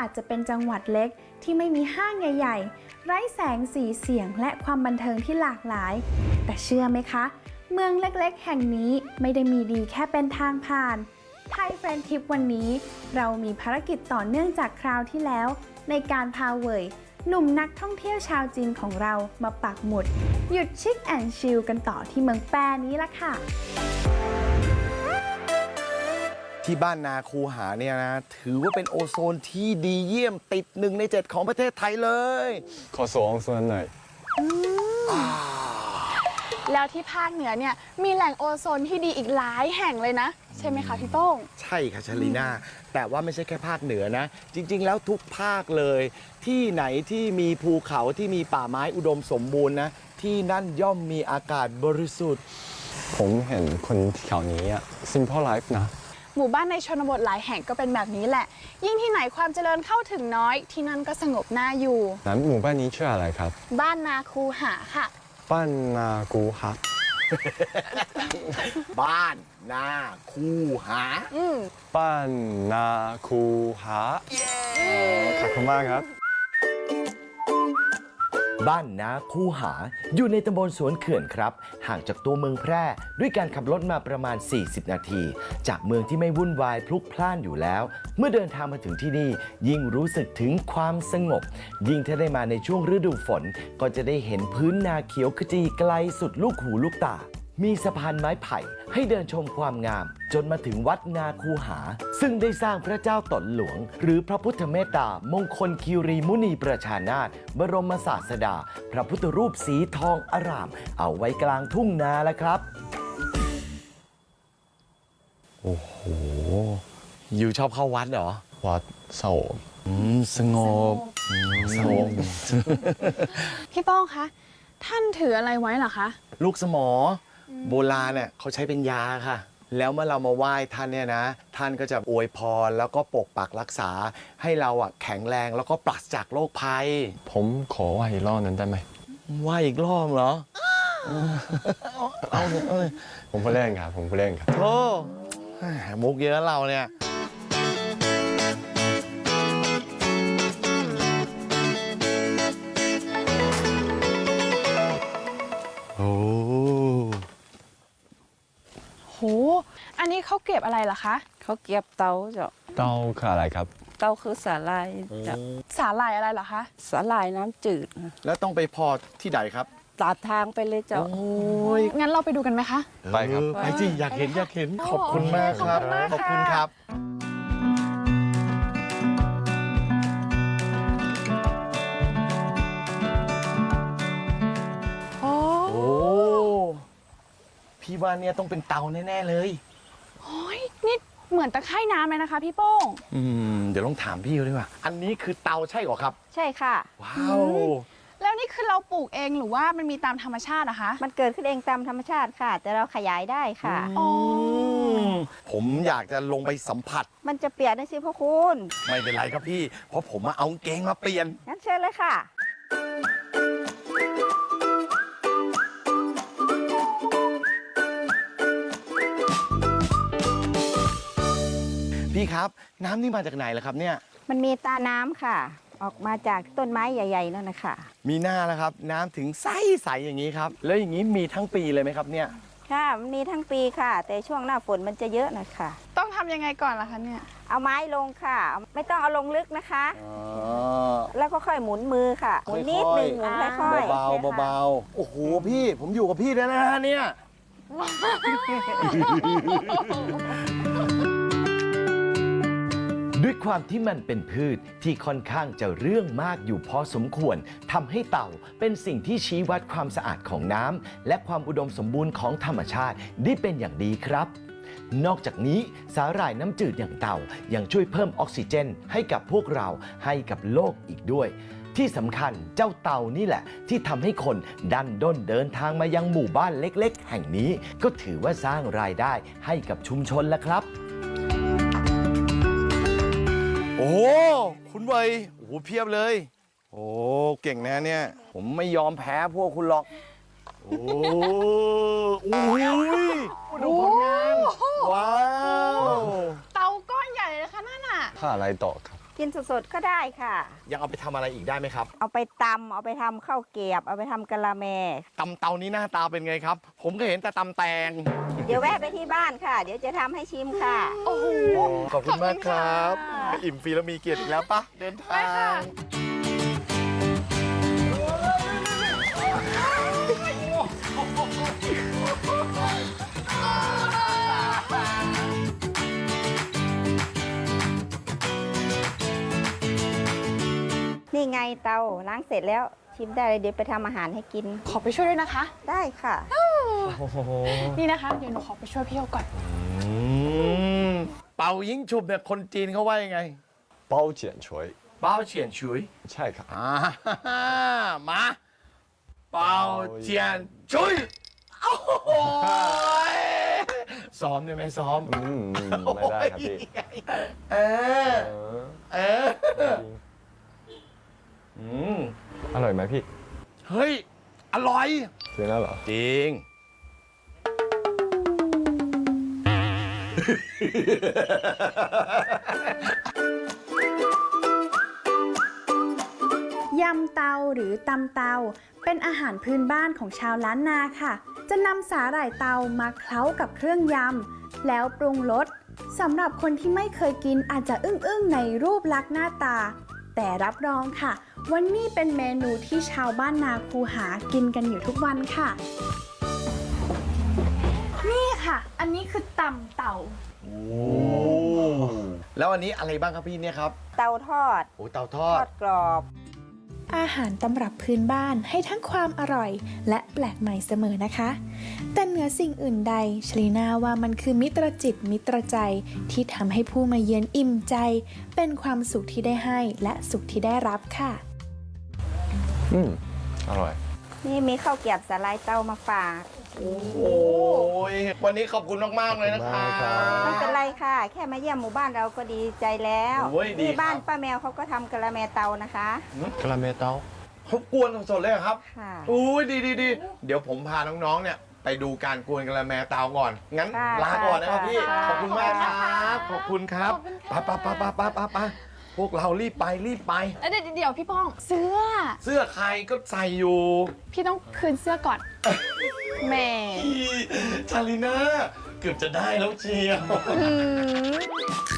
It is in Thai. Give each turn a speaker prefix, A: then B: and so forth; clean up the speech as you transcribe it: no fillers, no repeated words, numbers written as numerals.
A: จะเป็นจังหวัดเล็กที่ไม่มีห้างใหญ่ๆไร้แสงสีเสียงและความบันเทิงที่หลากหลายแต่เชื่อไหมคะเมืองเล็กๆแห่งนี้ไม่ได้มีดีแค่เป็นทางผ่านไทยเฟรนด์ทริปวันนี้เรามีภารกิจต่อเนื่องจากคราวที่แล้วในการพาเว่ยหนุ่มนักท่องเที่ยวชาวจีนของเรามาปักหมุดหยุดชิคแอนด์ชิลกันต่อที่เมืองแปรนี้ละค่ะ
B: ที่บ้านนาคูหาเนี่ยนะถือว่าเป็นโอโซนที่ดีเยี่ยมติด1 ใน 7ของประเทศไทยเลย
C: ขอส่งส่วนหน่อย
D: แล้วที่ภาคเหนือเนี่ยมีแหล่งโอโซนที่ดีอีกหลายแห่งเลยนะใช่ไหมคะพี่โป้ง
B: ใช่ค่ะชลีน่าแต่ว่าไม่ใช่แค่ภาคเหนือนะจริงๆแล้วทุกภาคเลยที่ไหนที่มีภูเขาที่มีป่าไม้อุดมสมบูรณ์นะที่นั่นย่อมมีอากาศบริสุทธิ์
C: ผมเห็นคนแถวนี้อะ Simple Life นะ
D: หมู่บ้านในชนบทหลายแห่งก็เป็นแบบนี้แหละยิ่งที่ไหนความเจริญเข้าถึงน้อยที่นั่นก็สงบน่าอยู่
C: นั้นหมู่บ้านนี้ชื่ออะไรครับ
D: บ้านนาคูหาค่ะ
C: บ้านนากูฮะ
B: บ้านนาคูหา
C: บ้านนาคูหาขอบคุณมากครับ
E: บ้านนาคูหาอยู่ในตำบลสวนเขื่อนครับห่างจากตัวเมืองแพร่ด้วยการขับรถมาประมาณ40 นาทีจากเมืองที่ไม่วุ่นวายพลุกพล่านอยู่แล้วเมื่อเดินทางมาถึงที่นี่ยิ่งรู้สึกถึงความสงบยิ่งถ้าได้มาในช่วงฤดูฝนก็จะได้เห็นพื้นนาเขียวขจีไกลสุดลูกหูลูกตามีสะพานไม้ไผ่ให้เดินชมความงามจนมาถึงวัดนาคูหาซึ่งได้สร้างพระเจ้าตนหลวงหรือพระพุทธเมตตามงคลคีรีมุนีประชานาถบรมศาสดาพระพุทธรูปสีทองอร่ามเอาไว้กลางทุ่งนาแล้วครับ
B: โอ้โหอยู่ชอบเข้าวัดเหรอ
C: วัดโสม
B: สงบ
C: สงบ
D: พี่โป้งคะท่านถืออะไรไว้เหรอคะ
B: ลูกสมอโบราณเนี่ยเขาใช้เป็นยาค่ะแล้วเมื่อเรามาไหว้ท่านเนี่ยนะท่านก็จะอวยพรแล้วก็ปกปักรักษาให้เราอ่ะแข็งแรงแล้วก็ปราศจากโรคภัย
C: ผมขอไหว้อีกรอบนั้นได้ไหม
B: ไหว้อีกรอบเหรอเอาเลย
C: ผมก็เล่นครับผมก็เล่นครับ
B: โอ้มุกเยอะเราเนี่ยโอ้
D: โหอันนี้เขาเก็บอะไรเหรอคะ
F: เขาเก็บเตาเจ้า
C: เต้าคืออะไรครับ
F: เตาคือสาลายเจ้า
D: สาหร่ายอะไรเหรอคะ
F: สาลายน้ำจืด
B: แล้วต้องไปพอที่ไหนครับ
F: ตัดทางไปเลยเจ้า
B: โอ้ย
D: งั้นเราไปดูกันไหมคะ
C: ไปครับ
B: ไปสิอยากเห็นขอบคุณมากครับขอบคุณครับ
D: โอ้
B: พี่ว่าเนี่ยต้องเป็นเตาแน่ๆเลย
D: โอ้ยนี่เหมือนตะไคร่น้ำเลยนะคะพี่โป้ง
B: เดี๋ยวลองถามพี่เขาดีกว่าอันนี้คือเตาใช่เหรอครับ
F: ใช่ค่ะ
B: ว้าว
D: แล้วนี่คือเราปลูกเองหรือว่ามันมีตามธรรมชาติอะคะ
F: มันเกิดขึ้นเองตามธรรมชาติค่ะแต่เราขยายได้ค่ะ
B: ผมอยากจะลงไปสัมผัส
F: มันจะเปียกได้สิพ่อคุณ
B: ไม่เป็นไรครับพี่เพราะผมมาเอาเกงมาเปลี่ยน
F: งั้นเชิญเลยค่ะ
B: พี่ครับน้ำนี่มาจากไหนล่ะครับเนี่ย
F: มันมีตาน้ำค่ะออกมาจากต้นไม้ใหญ่ๆนั่นนะคะ
B: มีหน้าแล้วครับน้ำถึงใสๆอย่างนี้ครับแล้วอย่างนี้มีทั้งปีเลยไหมครับเนี่ย
F: ค่ะมันมีทั้งปีค่ะแต่ช่วงหน้าฝนมันจะเยอะนะคะ
D: ต้องทำยังไงก่อนล่ะคะเนี่ย
F: เอาไม้ลงค่ะไม่ต้องเอาลงลึกนะคะแล้วก็ค่อยหมุนมือค่ะหมุนนิดนึงหมุนค่อย
B: ๆเบาๆโอ้โหพี่ผมอยู่กับพี่แล้วนะเนี่ย
E: ด้วยความที่มันเป็นพืชที่ค่อนข้างจะเรื่องมากอยู่พอสมควรทำให้เต่าเป็นสิ่งที่ชี้วัดความสะอาดของน้ำและความอุดมสมบูรณ์ของธรรมชาติได้เป็นอย่างดีครับนอกจากนี้สาหร่ายน้ำจืดอย่างเต่ายังช่วยเพิ่มออกซิเจนให้กับพวกเราให้กับโลกอีกด้วยที่สำคัญเจ้าเต่านี่แหละที่ทำให้คนดันด้นเดินทางมายังหมู่บ้านเล็กๆแห่งนี้ก็ถือว่าสร้างรายได้ให้กับชุมชนแล้วครับ
B: โอ้คุณเบยโอ้เพียบเลยโอ้เก่งนะเนี่ยผมไม่ยอมแพ้พวกคุณหรอกโอ้ดูผลงานว้าว
D: เตาก้อนใหญ่เลยนะคะนั่นน่ะ
C: ถ้าอะไรต่อครับ
F: กินสดๆก็ได้ค่ะ
B: ยังเอาไปทำอะไรอีกได้ไหมครับ
F: เอาไปตำเอาไปทำข้าวเกรียบ เอาไปทำกะละแม
B: ตำเตานี้หน้าตาเป็นไงครับ ผมก็เห็นแต่ตำแตง
F: เดี๋ยวแวะไปที่บ้านค่ะ เดี๋ยวจะทำให้ชิมค่ะ
D: โอ้โห
B: ขอบคุณมากครับ
D: ขอบคุณค่ะ
B: อิ่มฟรีแล้วมีเกียรติอีกแล้วปะเดินทาง
F: นี่ไงเตาล้างเสร็จแล้วชิมได้เลยเดี๋ยวไปทำอาหารให้กิน
D: ขอไปช่วยด้วยนะคะ
F: ได้ค่ะ
D: นี่นะคะ เดี๋ยวหนูขอไปช่วยพี่เขาก่อน
B: เป่ายิงฉุบเนี่ยคนจีนเขาว่ายังไง
C: เป้าเจียนฉวย
B: เป้าเฉียนฉุย
C: ใช่ครับ
B: มา เป่าเจียนฉุยโอ้โหยซ้อมได้ไหมซ้อม
C: ไม่ได้ครับพี่
B: เออ เออ
C: อร่อยไหมพี่
B: เฮ้ย อร่อย
C: จริงแล้วเหรอ
B: จริง
A: ยำเตาหรือตำเตาเป็นอาหารพื้นบ้านของชาวล้านนาค่ะ จะนำสาหร่ายเตามาเคล้ากับเครื่องยำแล้วปรุงรสสำหรับคนที่ไม่เคยกินอาจจะอึ้งๆในรูปลักษณ์หน้าตา แต่รับรองค่ะว่านี่เป็นเมนูที่ชาวบ้านนาคูหากินกันอยู่ทุกวันค่ะ นี่ค่ะ อันนี้คือตำเต่า
B: แล้วอันนี้อะไรบ้างครับพี่เนี่ยครับ
F: เตาทอด
B: โอ้เตาท
F: ท
B: อ
F: อ
B: ด
F: ดกรอบ
A: อาหารตำรับพื้นบ้านให้ทั้งความอร่อย และแปลกใหม่เสมอนะคะ แต่เหนือสิ่งอื่นใดชลีน่าว่ามันคือมิตรจิตมิตรใจที่ทำให้ผู้มาเยือนอิ่มใจ เป็นความสุขที่ได้ให้และสุขที่ได้รับค่ะ
C: อร่อย
F: นี่มีข้าวเกรียบสาลายเตามาฝาก
B: โอ้ยวันนี้ขอบคุณมากๆเลยนะคะ
F: ไม่เป็นไรค่ะ แค่มาเยี่ยมหมู่บ้านเราก็ดีใจแล้ว
B: โอ้ยดี
F: นี่บ้าน
B: ครับ
F: ป้าแมวเขาก็ทำกะละแมเตานะคะ
C: กะละเมเตา
B: เขากวนสดๆเลยเหรอครับ
F: ค่ะ
B: อุ้ยดีดีเดี๋ยวผมพาน้องๆเนี่ยไปดูการกวนกะละแมเตาก่อน งั้น
F: ค่ะ
B: ลาก่อนนะครับ
F: ค่ะ
B: พี่
F: ค่ะ
B: ขอบคุณมากครับ ขอบคุณครับ
D: ขอบคุณ
B: ไป
D: ค่ะ
B: ไปพวกเรารีบไป
D: เดี๋ยวพี่ป้อง เสื้อ
B: เสื้อใครก็ใส่อยู่
D: พี่ต้องคืนเสื้อก่อน แหม่
B: ชาลิน่าเกือบจะได้แล้วเชียว